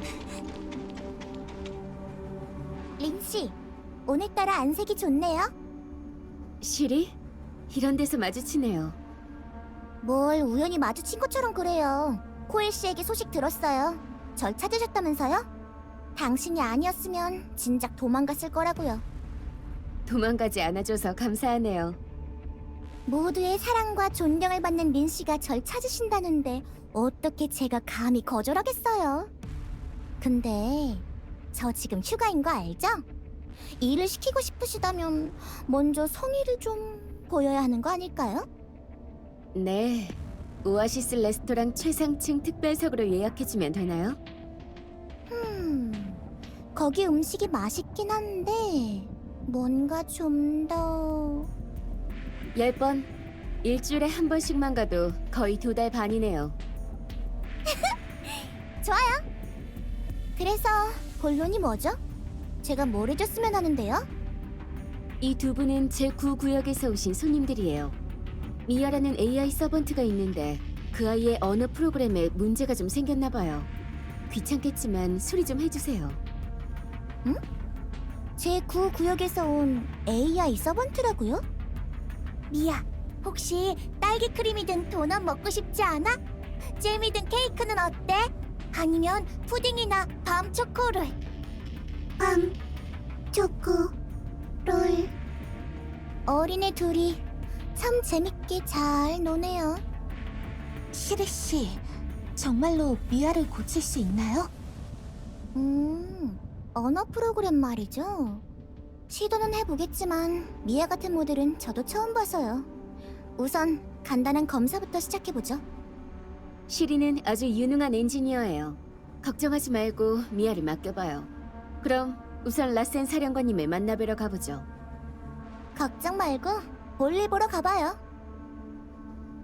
린씨, 오늘따라 안색이 좋네요. 시리? 이런 데서 마주치네요. 뭘 우연히 마주친 것처럼 그래요. 코일 씨에게 소식 들었어요. 절 찾으셨다면서요? 당신이 아니었으면 진작 도망갔을 거라고요. 도망가지 않아줘서 감사하네요. 모두의 사랑과 존경을 받는 린 씨가 절 찾으신다는데 어떻게 제가 감히 거절하겠어요? 근데 저 지금 휴가인 거 알죠? 일을 시키고 싶으시다면 먼저 성의를 좀 보여야 하는 거 아닐까요? 네, 오아시스 레스토랑 최상층 특별석으로 예약해주면 되나요? 거기 음식이 맛있긴 한데 뭔가 좀 더... 10번, 일주일에 한 번씩만 가도 거의 2달 반이네요. 좋아요. 그래서 본론이 뭐죠? 제가 뭘 해줬으면 하는데요? 이 두 분은 제9구역에서 오신 손님들이에요. 미아라는 AI 서번트가 있는데 그 아이의 언어 프로그램에 문제가 좀 생겼나 봐요. 귀찮겠지만 수리 좀 해주세요. 제9구역에서 온 AI 서번트라고요? 미야, 혹시 딸기 크림이 든 도넛 먹고 싶지 않아? 잼이 든 케이크는 어때? 아니면 푸딩이나 밤 초코롤. 밤 초코롤. 어린애 둘이 참 재밌게 잘 노네요. 시리 씨, 정말로 미아를 고칠 수 있나요? 언어 프로그램 말이죠. 시도는 해보겠지만 미아 같은 모델은 저도 처음 봐서요. 우선 간단한 검사부터 시작해보죠. 시리는 아주 유능한 엔지니어예요. 걱정하지 말고 미아를 맡겨봐요. 그럼 우선 라센 사령관님을 만나뵈러 가보죠. 걱정 말고 볼일 보러 가봐요.